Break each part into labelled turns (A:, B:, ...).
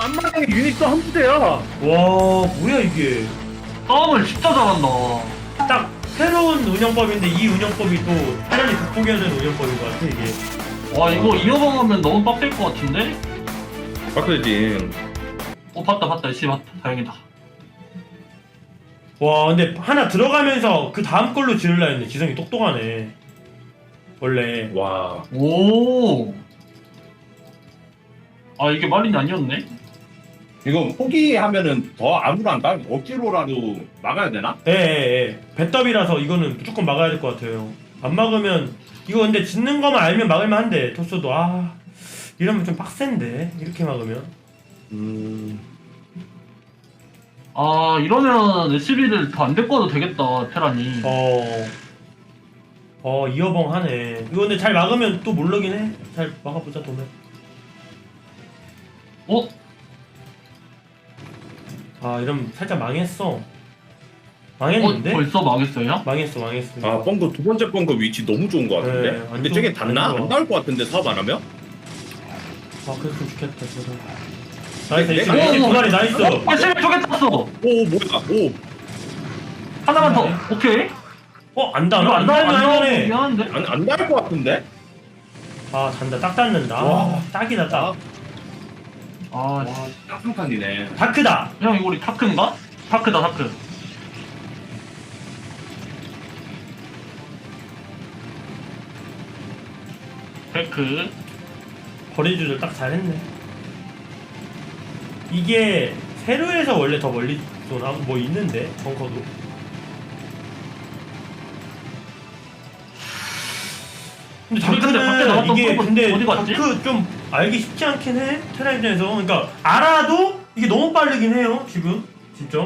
A: 앞마당에 유닛도 한 부대야.
B: 와 뭐야 이게.
C: 싸움을 진짜 잘한다.
B: 딱 새로운 운영법인데 이 운영법이 또 테란이 극복해야 되는 운영법인 것 같아 이게.
C: 와 이거 이어방하면 너무 빡셀 것 같은데?
A: 바꿔야지.
C: 봤다 씨 봤다 다행이다.
B: 와 근데 하나 들어가면서 그 다음 걸로 지으려 했는데 지성이 똑똑하네 원래.
A: 와.
C: 오. 아 이게 말이 아니었네?
A: 이거 포기하면은 더 아무런 안 억지로라도 막아야 되나?
B: 예. 배더비라서 이거는 무조건 막아야 될 것 같아요. 안 막으면 이거 근데 짓는 거만 알면 막을만 한데 토스도 이러면 좀 빡센데 이렇게 막으면.
C: 아 이러면 SB를 더 안 데리고 와도 되겠다 테란이.
B: 이어벙 하네. 이거 근데 잘 막으면 또 모르긴 해. 잘 막아보자 도면. 이러면 살짝 망했어. 망했는데?
C: 벌써 망했어요?
B: 망했어.
A: 아 뻥거 두 번째 뻥거 위치 너무 좋은 것 같은데.
B: 네,
A: 근데
B: 안
A: 저게
B: 좋-
A: 닿나?
B: 안 좋아.
A: 안 닿을 것 같은데 사업 안 하면?
B: 그랬으면 좋겠다 진짜. 나이스.
A: 내가-
B: SB 두 마리 나이스.
C: SB 두개 땄어.
A: 오 뭐야? 오.
C: 하나만 더.
B: 네.
C: 오케이.
B: 안 닿아?
C: 이거 안 나오면
B: 할만해.
C: 미안한데?
A: 안 닿을 것 같은데?
B: 닿는다. 딱 닿는다.
A: 와.
B: 딱이다 딱.
C: 아
A: 와 딱상탄이네.
B: 다크다.
C: 형 이거 우리 타크인가? 타크다 타크. 데크.
B: 거리 조절 딱 잘했네. 이게 세루에서 원래 더 멀리 쏘나? 뭐 있는데 벙커도. 근데
C: 우리 근데 밖에 나갔던
B: 이게
C: 프로브
B: 근데
C: 어디 갔지?
B: 다크 좀 알기 쉽지 않긴 해. 테라 입장에서. 그러니까 알아도 이게 너무 빠르긴 해요 지금 진짜.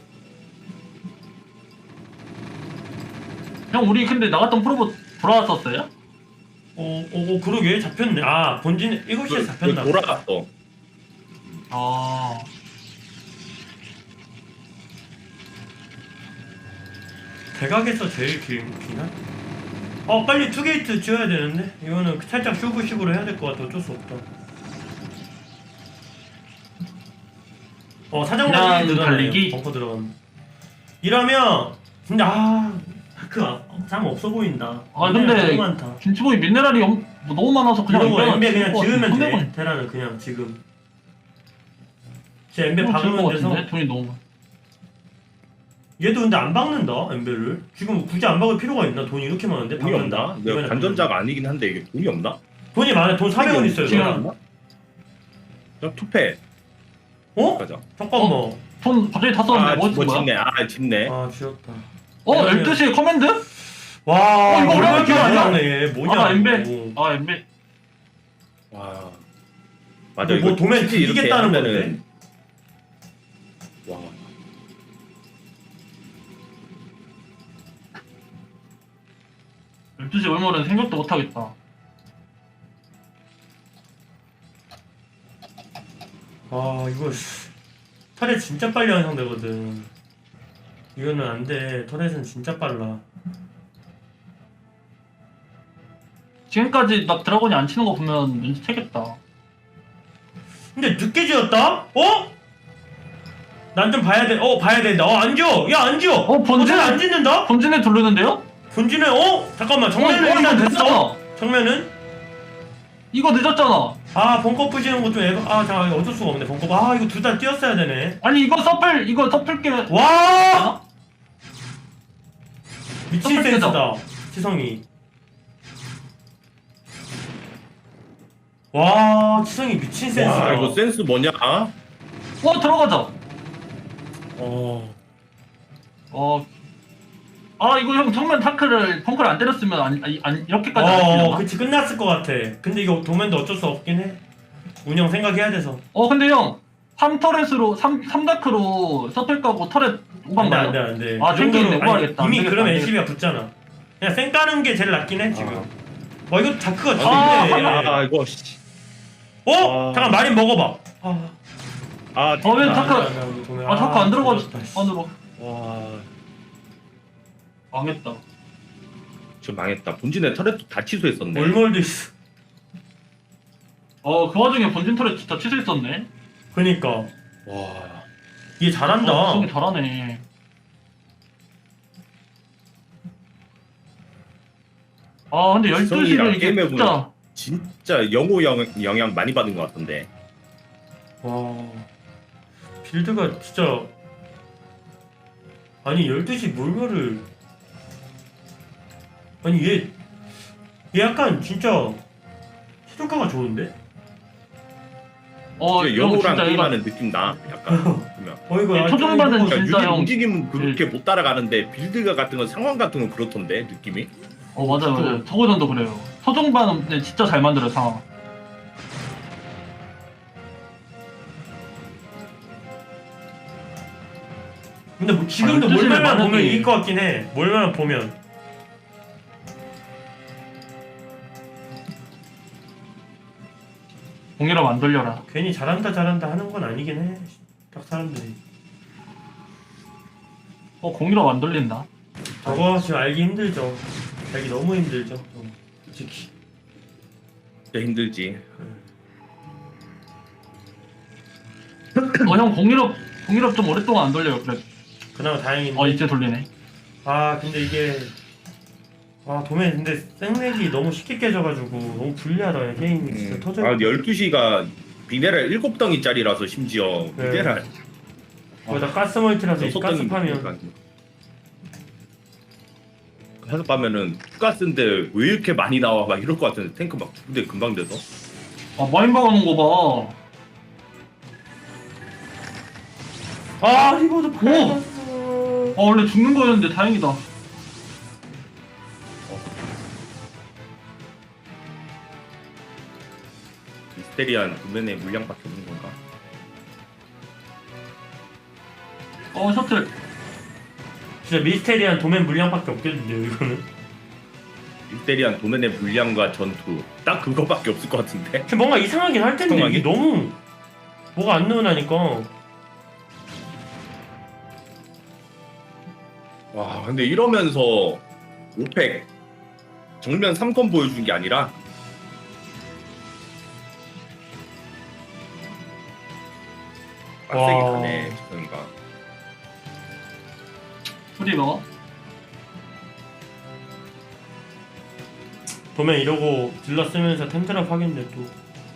C: 형 우리 근데 나갔던 프로브 돌아왔었어요?
B: 그러게 잡혔네. 본진 7시에 잡혔나.
A: 돌아갔어.
C: 아
B: 대각에서 제일 기나? 빨리 투게이트 지어야 되는데 이거는 살짝 쇼부식으로 해야 될 것 같아. 어쩔 수 없다. 사정관이
C: 그냥
B: 늘어나네요.
C: 달리기?
B: 벙커 들어가면. 이러면 근데 참 없어 보인다.
C: 근데
B: 너무 많다.
C: 김치보이 미네랄이 너무 많아서 그냥
B: 이러고 엠베 그냥
C: 죽을 것
B: 지으면
C: 같은데.
B: 돼. 테라는 그냥 지금. 제 엠베
C: 죽을 것
B: 박으면 돼서.
C: 같은데? 돈이 너무 많아.
B: 얘도 근데 안 박는다 엠베를. 지금 굳이 안 박을 필요가 있나? 돈이 이렇게 많은데
A: 돈이
B: 박는다.
A: 없나? 내가
B: 이번에
A: 관전자가 아니긴 한데 이게 돈이 없나?
B: 돈이 많아. 돈 400원 있어요.
C: 지금
B: 저는.
A: 저 투패 가자.
B: 잠깐만.
C: 돈 갑자기 다 썼는데 뭐
A: 뭐
C: 거야?
A: 짓네. 짓네.
B: 지었다.
C: 12시에 커맨드?
B: 와,
C: 이거
B: 얼마나
C: 얼마나
B: 기억나네. 뭐냐?
C: 엠베.
B: 이거.
C: 엠베.
A: 와. 맞아.
B: 뭐
A: 이거
B: 도면
A: 솔직히 이렇게
B: 이기겠다는
A: 하면은- 와.
C: 12시 얼마는 생각도 못하겠다.
B: 이거 터렛 진짜 빨리 완성되거든. 이거는 안 돼. 터렛은 진짜 빨라.
C: 지금까지 나 드라곤이 안 치는 거 보면 눈치채겠다.
B: 근데 늦게 지었다? 난 좀 봐야 돼. 봐야 된다. 안 지어. 야, 안 지어.
C: 본진
B: 안 짓는다?
C: 본진에 돌리는데요?
B: 본진에 잠깐만. 정면은
C: 이거
B: 일단 됐어.
C: 늦었잖아.
B: 정면은
C: 이거 늦었잖아.
B: 벙커 부시는 거 좀 잠깐 어쩔 수가 없네. 벙커. 이거 둘 다 띄었어야 되네.
C: 아니 이거 서플게.
B: 와! 미친
C: 서플
B: 센스다. 치성이. 와, 치성이 미친 센스다.
A: 와 이거 센스 뭐냐?
C: 들어가자. 이거 형 정면 펑크를 안 때렸으면 이렇게까지 안 했려나?
B: 그치 끝났을 것 같아. 근데 이거 도면도 어쩔 수 없긴 해. 운영 생각해야 돼서.
C: 근데 형 3다크로 서플 까고 터렛 오방 가요?
B: 안 돼.
C: 탱킹인데 오버하겠다.
B: 이미
C: 안 되겠다,
B: 그러면
C: 안
B: LCB가 붙잖아. 그냥 쌩 까는 게 제일 낫긴 해 지금. 이거 다크가
A: 아
B: 좋네.
A: 이거 씨.
B: 잠깐 마린 먹어봐.
C: 왜 다크 다크 안 들어가
B: 죽었다, 씨.
C: 안으로.
A: 와.
C: 망했다.
A: 지금 망했다. 본진에 터렛도 다 취소했었네.
B: 월몰도 있어.
C: 그 와중에 본진 터렛 진짜 취소했었네.
B: 그니까
A: 와.
B: 얘 잘한다.
C: 되게 잘하네. 아 근데
A: 지성이랑
C: 12시면 이게
A: 게임해
C: 진짜
A: 진짜 영향 많이 받은 것 같던데.
B: 와 빌드가 진짜 아니 12시 몰멸을 아니 얘 약간 진짜 최저가가 좋은데?
C: 이거
A: 영호랑
C: 진짜 얘가
A: 게임하는 느낌 나. 약간. 보면.
B: 이거
C: 이 초중반은
B: 이거-
A: 그러니까
C: 진짜
A: 유닛
C: 형.
A: 움직임은 그렇게 못 따라가는데 빌드가 같은 건 상황 같은 건 그렇던데 느낌이.
C: 맞아요. 서구전도 그래요. 서중반은 근데 진짜 잘 만들어요 상황.
B: 근데 뭐 지금도
C: 12시 를
B: 몰멸만 보면
C: 만약에-
B: 이길 것 같긴 해. 몰멸만 보면
C: 공이라 안 돌려라.
B: 괜히 잘한다 하는 건 아니긴 해. 딱 사람들이
C: 공이라 안 돌린다.
B: 저거 지금 알기 힘들죠. 알기 너무 힘들죠. 솔직히
A: 진짜 힘들지.
C: 형 공이라 좀 오랫동안 안 돌려요. 그래.
B: 그나마 다행인데.
C: 이제 돌리네.
B: 아 근데 이게 도매 근데 생렉이 너무 쉽게 깨져가지고 너무 불리하다 게임이 진짜 터져.
A: 12시가 미네랄 7덩이짜리라서 심지어
B: 네.
A: 미네랄
B: 거기다 가스 멀티라서 이
A: 6덩이
B: 가스 파면
A: 가스 파면은 가스인데 왜 이렇게 많이 나와 막 이럴 것 같은데 탱크 막 근데 금방 돼서.
C: 많이 박아놓은 거 봐.
B: 리버도 팔았어.
C: 원래 죽는 거였는데 다행이다.
A: 미스테리안 도면의 물량밖에 없는 건가?
C: 셔틀.
B: 진짜 미스테리한 도맨 물량밖에 없겠는데요 이거는.
A: 미스테리안 도면의 물량과 전투 딱 그거밖에 없을 것 같은데.
B: 근데 뭔가 이상하긴 할 텐데
A: 이상하긴?
B: 이게 너무 뭐가 안 나오나니까.
A: 와 근데 이러면서 오펙 정면 3건 보여준 게 아니라 빡세게
B: 와.
A: 가네 그러니까.
C: 프리버.
B: 도맨 이러고 딜러 쓰면서 텐트럽 하겠네 또.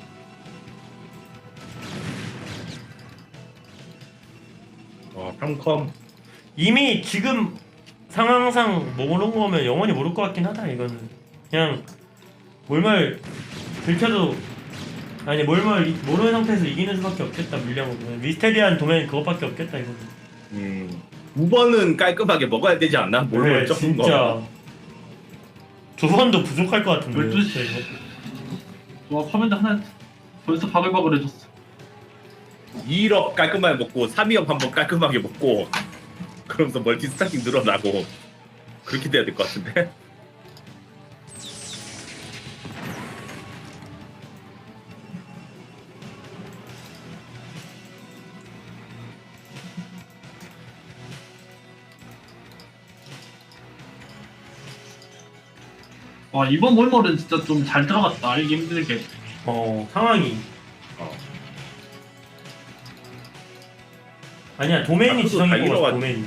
A: 와 3컴
B: 이미 지금 상황상 모르는 거면 영원히 모를 것 같긴 하다 이거는. 그냥 몰말 들켜도 아니 몰말 모르는 상태에서 이기는 수밖에 없겠다 물량으로. 미스테리한 도맨 그것밖에 없겠다 이거는.
A: 2번은 깔끔하게 먹어야 되지 않나? 뭘 적은 거.
B: 진짜 두 번도 부족할 것 같은데.
C: 12시.
B: 진짜 이거.
C: 와 커맨드 하나 벌써 바글바글 해줬어.
A: 2업 깔끔하게 먹고 3위업 한번 깔끔하게 먹고 그러면서 멀티 스타킹 늘어나고 그렇게 돼야 될 것 같은데.
C: 이번 몰몰은 진짜 좀 잘 들어갔다. 이게 힘들게.
B: 상황이. 아니야 도맨이
A: 그래도
B: 지성이
A: 다
B: 뽑았어
A: 잃어가지고.
B: 도맨이.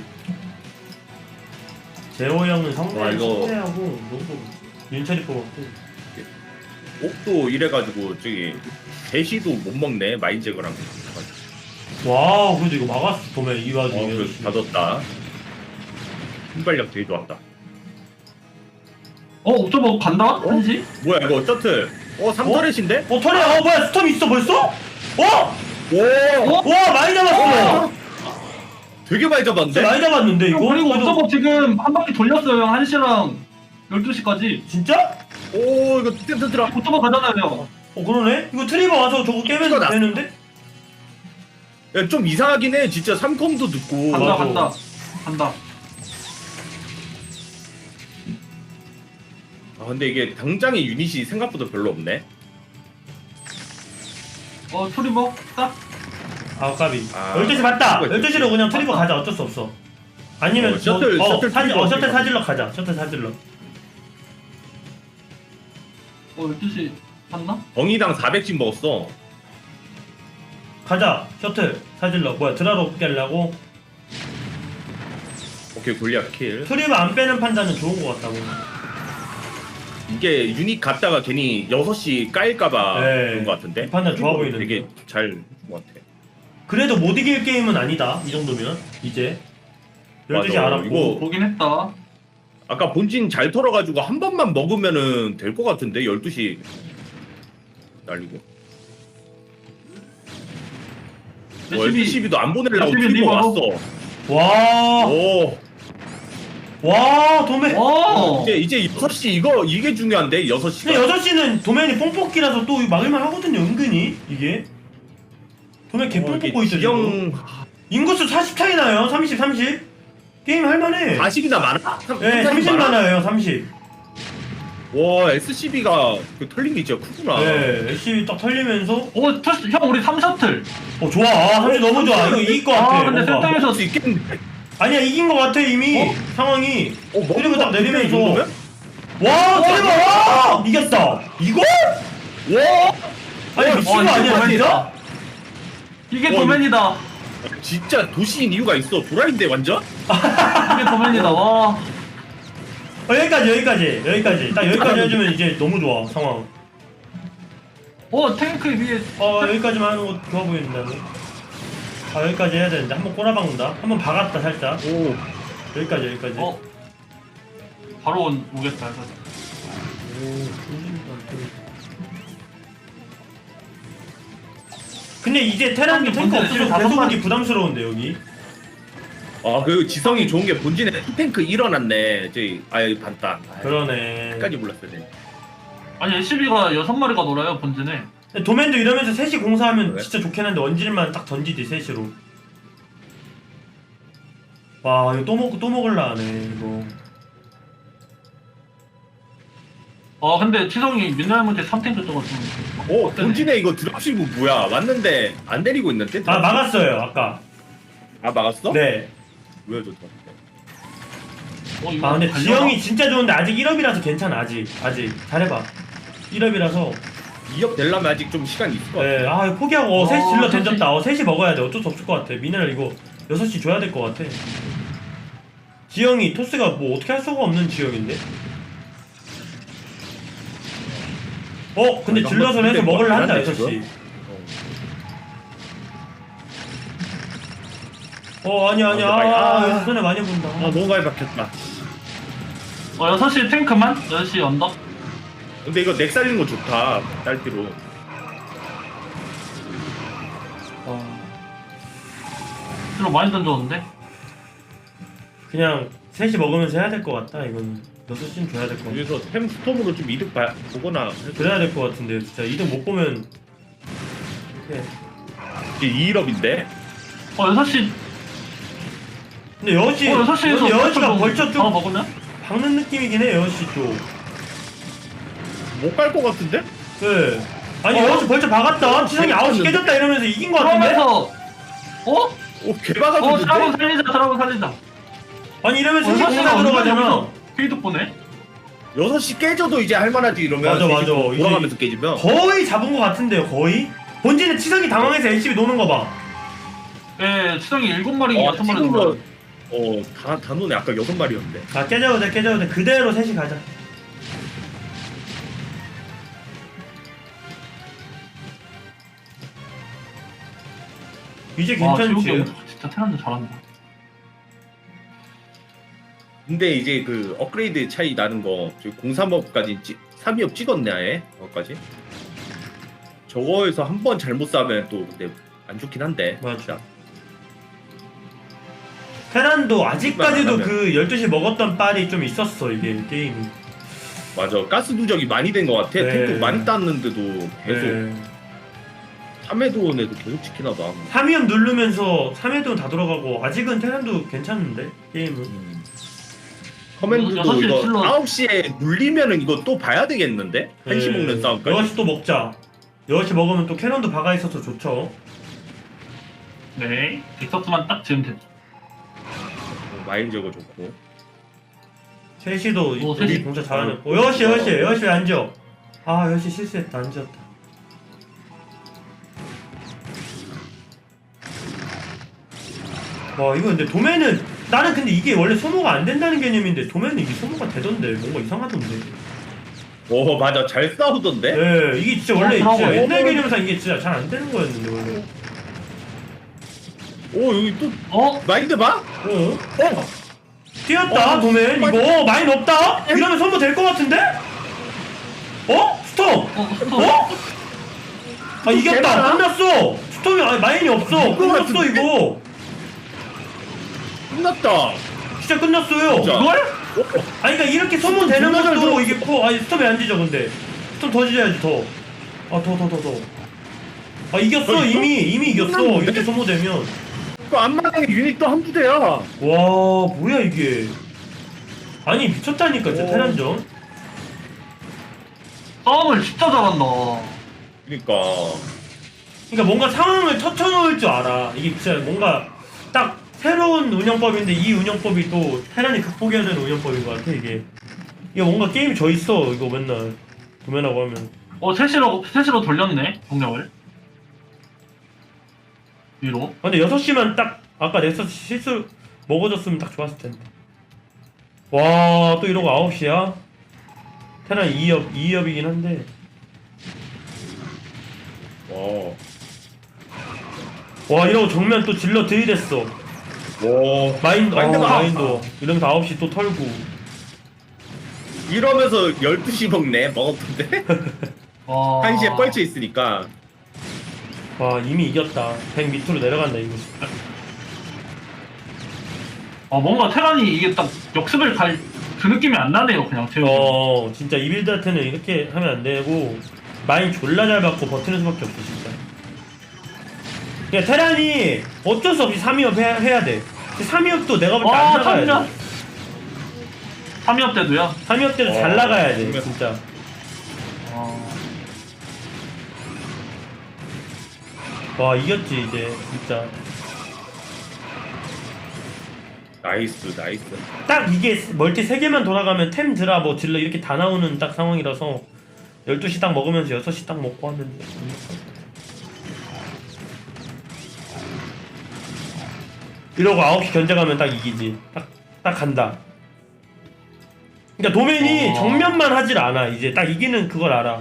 B: 제호 형은
A: 와,
B: 성대
A: 이거-
B: 성대하고 누구 뽑았지? 윤철이 뽑았고.
A: 옥도 이래가지고 저기 대시도 못 먹네 마인제거랑.
B: 와우 그래도 이거 막았어 도맨 이 와중에.
A: 그래서 닫았다. 순발력 되게 좋았다.
C: 옥토버 간다? 한시?
A: 뭐야 이거 셔틀? 3터렛인데?
B: 터리야 뭐야 스톰 있어 벌써?
A: 오!
B: 와 많이 잡았어.
A: 되게 많이 잡았는데?
B: 진짜 많이 잡았는데 이거.
C: 그리고
B: 그래도-
C: 옥토버 지금 한 바퀴 돌렸어요. 1시랑 12시까지.
B: 진짜?
A: 오 이거 텐트 들어.
C: 옥토버 가잖아요.
B: 그러네? 이거 트리버 와서 저거 깨면
A: 이거 나-
B: 되는데?
A: 야, 좀 이상하긴 해. 진짜 3컴도 듣고.
C: 간다
B: 맞아.
C: 간다.
A: 근데 이게 당장의 유닛이 생각보다 별로 없네.
C: 트리버 딱.
B: 까비.
A: 아,
B: 12시 맞다.
A: 이거
B: 12시로 그냥 트리버 가자. 어쩔 수 없어. 아니면
A: 셔틀
B: 셔틀
A: 트리버
B: 셔틀 사질러 가자. 셔틀 사질러.
C: 12시 갔나?
A: 덩이당 400씩 먹었어.
B: 가자 셔틀 사질러 뭐야 드라로 깨려고.
A: 오케이 골리앗 킬.
B: 트립 안 빼는 판단은 좋은 것 같다고.
A: 이게 유닛 갔다가 괜히 6시 까일까봐
B: 네.
A: 그런 것 같은데.
B: 이 판단 좋아 보이는데.
A: 되게 잘 해준 것 같아.
B: 그래도 못 이길 게임은 아니다 이 정도면 이제 12시
A: 맞아.
B: 알았고.
A: 이거
C: 보긴 했다.
A: 아까 본진 잘 털어가지고 한 번만 먹으면은 될 것 같은데 12시 날리고.
C: SCB
A: 12시도 안 보내려고
C: SCB
A: 트리버
C: 리버.
A: 왔어.
B: 와,
A: 오.
B: 도맨.
C: 오.
A: 이제 6시 이게 중요한데 6시가.
B: 근데 6시는 도맨이 뽕뽑기라서 또 막을만 하거든요 은근히 이게. 도맨 개뽕 뽑고 있어 지금. 인구수 40 차이 나요. 30 게임 할만해.
A: 40이나 많아?
B: 네 30 많아요 30.
A: 와 SCB가 그 털린 게 진짜 크구나.
B: 네 SC 딱 털리면서
C: 오, 터스, 형 우리 3셔틀.
B: 좋아. 30 너무 좋아. 이거 이길 것 같아.
C: 근데
B: 뭔가.
C: 센터에서
A: 할수 있겠는데.
B: 아니야 이긴 것 같아 이미. 상황이. 그리고 딱 내리면서. 와 트리버 와 이겼다. 이걸?
A: 와.
B: 아니 미친 거
C: 이게
B: 아니야
C: 도맨이다.
B: 진짜?
C: 이게
A: 와,
C: 도맨이다.
A: 진짜 도시인 이유가 있어. 도라인데 완전?
C: 이게 도맨이다. 와.
B: 여기까지 딱 여기까지 해주면 이제 너무 좋아 상황.
C: 오, 탱크 위에.
B: 여기까지만 하는 거 좋아 보이는데. 여기까지 해야 되는데 한번 꼬라박는다. 한번 박았다 살짝.
A: 오.
B: 여기까지.
C: 바로 오겠다.
B: 근데 이제 테란도 탱크
C: 뭔데,
B: 없어서
C: 지금 다섯
B: 계속
C: 번-
B: 오기 부담스러운데 여기.
A: 그 지성이 좋은 게 본진에 투탱크 일어났네. 저기 아예 반딱.
B: 그러네.
A: 끝까지 몰랐어야 돼.
C: 아니, SCB가 6마리가 놀아요, 본진에.
B: 근데 도맨도 이러면서 셋이 공사하면
A: 그래?
B: 진짜 좋긴 한데 원질만 딱 던지지 셋이로. 와 이거 또 먹을라 하네 이거.
C: 근데 치성이 민나이한테 3탱크 떠가지고.
A: 본진에 이거 드랍시브 뭐야? 왔는데 안 내리고 있는데?
B: 막았어요 아까.
A: 막았어?
B: 네.
A: 왜 좋다.
C: 이거
B: 근데
C: 달려나?
B: 지형이 진짜 좋은데 아직 1업이라서 괜찮아 아직 잘해봐. 1업이라서.
A: 2억 되려면 아직 좀 시간이 있을 것 같아.
B: 네, 이거 포기하고 셋이 질러
C: 셋이.
B: 던졌다. 셋이 먹어야 돼. 어쩔 수 없을 것 같아. 미네랄 이거 6시 줘야 될 것 같아. 지형이 토스가 뭐 어떻게 할 수가 없는 지형인데. 근데
A: 이거
B: 질러서
A: 한번
B: 해서
A: 뛸
B: 먹을라
A: 것
B: 한다
A: 같긴
B: 6시.
A: 한데,
B: 아니야.
A: 근데
B: 손해 많이 본다.
A: 너무 많이 박혔다.
C: 6시 탱크만? 6시 언덕?
A: 근데 이거 넥 살리는 거 좋다. 딸기로.
C: 실로 많이 던졌는데?
B: 그냥 셋이 먹으면서 해야 될 것 같다. 이건 6시는 줘야 될 것 같아.
A: 여기서 템 스톰으로 좀 이득 보거나.
B: 그래야 될 것 같은데 진짜 이득 못 보면 이렇게.
A: 이게 2일업인데?
C: 6시.
B: 근데 6시
C: 6시에서
B: 6시가 벌써 좀
C: 먹으면?
B: 박는 느낌이긴 해 6시 쪽.
A: 못 갈 것 같은데?
B: 네. 아니 6시 벌써 박았다. 치상이 9시 깨졌다 이러면서 이긴 것 같은데?
C: 그러면서
A: 개박아줬는데?
C: 드라곤 살리자.
B: 아니 이러면서 3시
C: 6시가
B: 공사 들어가잖아.
C: 페이드 보네?
A: 6시 깨져도 이제 할만하지 이러면.
B: 맞아.
A: 3시
B: 이제
A: 돌아가면서 깨지면.
B: 거의 잡은 것 같은데요 거의? 본진에 치상이 당황해서 LCB 노는 거 봐.
C: 예, 치성이 7마리, 6마리
A: 지금은
C: 들어가요.
A: 다 노네. 아까 6마리였는데.
B: 자 깨져도 돼 그대로 셋이 가자. 이제 괜찮지.
C: 지옥이 형 진짜 테란도 잘한다.
A: 근데 이제 그 업그레이드 차이 나는 거 저기 03업까지 3위업 찍었네 아예 거까지. 저거에서 한 번 잘못 싸면 또 근데 안 좋긴 한데.
B: 맞아. 테란도 아직까지도
A: 안 하면.
B: 그 12시 먹었던 빨이 좀 있었어 이게 게임이.
A: 맞아. 가스 누적이 많이 된 것 같아.
B: 네.
A: 탱크 많이 땄는데도 계속
B: 네.
A: 3회도원에도 계속 지키나 봐.
B: 3위업 누르면서 3회도 다 들어가고 아직은 테란도 괜찮은데 게임은.
A: 커맨드도
C: 6시
A: 이거
C: 킬로.
A: 9시에 눌리면은 이거 또 봐야 되겠는데? 한시 먹는 싸움까지.
B: 6시 또 먹자. 6시 먹으면 또 캐논도 박아 있어서 좋죠.
C: 네, 빅서스만 딱 지으면 됐죠.
A: 마인 저거 좋고.
B: 3시도
C: 오,
B: 3시
C: 셋이.
B: 공사 잘하네. 6시 왜 안 지어? 6시 실수했다 안 지었다. 와 이거 근데 도매는 나는 근데 이게 원래 소모가 안 된다는 개념인데 도매는 이게 소모가 되던데 뭔가 이상하던데.
A: 오 맞아 잘 싸우던데.
B: 네 이게 진짜 원래
C: 그러고.
B: 진짜 옛날 개념상 이게 진짜 잘 안 되는 거였는데 원래.
A: 오 여기 또
C: 어?
A: 마인드 봐?
B: 어? 뛰었다 도맨 이거 마인 없다? 이러면 선보 될 것 같은데? 어? 스톰! 어? 아 이겼다
A: 대단하다.
B: 끝났어 스톰이 아니 마인이 없어 끝났어
A: 같은데?
B: 이거
A: 끝났다.
B: 진짜 끝났어요
A: 진짜.
C: 이걸?
B: 아니 그러니까 이렇게 소모 되는
A: 존나 잘
B: 것도
A: 들어.
B: 이게 아니 스톰이 안 지죠 근데 스톰 더 지져야지 더 이겼어
A: 어,
B: 이미 이겼어
A: 끝났는데?
B: 이렇게 소모되면
A: 그 앞마당에 유닛도 한 부대야.
B: 와 뭐야 이게 아니 미쳤다니까 진짜
A: 오.
B: 테란전
C: 싸움을 진짜 잘한다.
A: 그러니까.
B: 그러니까 뭔가 상황을 터쳐놓을 줄 알아. 이게 진짜 뭔가 딱 새로운 운영법인데 이 운영법이 또 테란이 극복해야 되는 운영법인 것 같아 이게. 이게 뭔가 게임이 져 있어 이거 맨날 도면하고 하면.
C: 셋으로 돌렸네, 동력을. 위로.
B: 근데 6시만 딱 아까 넥서스 실수 먹어줬으면 딱 좋았을 텐데. 와 또 이러고 9시야? 테란 2업이긴 한데.
A: 와.
B: 와 이러고 정면 또 질러 들이댔어.
A: 와.
B: 마인도 이러면서 9시 또 털고.
A: 이러면서 12시 먹네. 먹었던데.
C: 와.
A: 1시에 뻘쳐 있으니까.
B: 와 이미 이겼다. 100 밑으로 내려간다 이거.
C: 뭔가 테란이 이게 딱 역습을 갈 그 느낌이 안 나네요, 그냥 제가.
B: 진짜 이 빌드한테는 이렇게 하면 안 되고 마인 졸라 잘 받고 버티는 수밖에 없어 진짜. 그러니까 테란이 어쩔 수 없이 3위업 해야 돼. 3위업도 내가 볼 때 안 나가야 돼.
C: 3위업 때도요?
B: 3위업 때도 잘 나가야 돼
A: 정말.
B: 진짜. 와 이겼지 이제 진짜.
A: 나이스.
B: 딱 이게 멀티 3개만 돌아가면 템 드라 뭐 질러 이렇게 다 나오는 딱 상황이라서 12시 딱 먹으면서 6시 딱 먹고 하면 돼. 이러고 9시 견제가면 딱 이기지. 딱 간다. 그러니까 도맨이 정면만 하질 않아. 이제 딱 이기는 그걸 알아.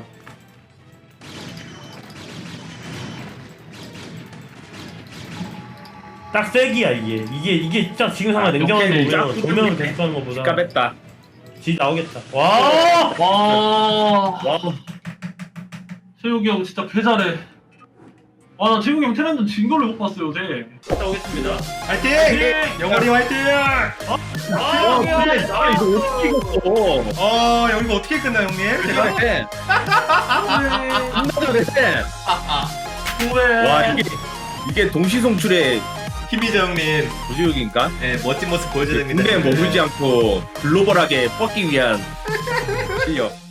B: 딱 세기야 이게 딱 지금 상황 냉정하게
A: 오케이,
B: 보면
A: 쫙
B: 정면을
A: 뚫리네.
B: 계속 가는 것보다
A: 깝했다.
B: 지 나오겠다. 와!
C: 와.
A: 와.
C: 최욱이 형 진짜 개 잘해. 나 최욱이 형 테란전 진 걸로 못 봤어요, 요새.
B: 갔다 오겠습니다.
D: 화이팅!
B: 화이팅!
D: 영원히 화이팅!
A: 와, 근데 나 이거 어떻게 이겼어?
D: 형 이거 어떻게 끝나 형님?
A: 잘해. 존나 잘해.
C: 후회.
A: 와 이게 동시송출의
D: 힘이죠 형님.
A: 부지욕인가?
D: 네, 멋진 모습 보여줘야 됩니다.
A: 군대에 머물지 않고 글로벌하게 뻗기 위한 실력.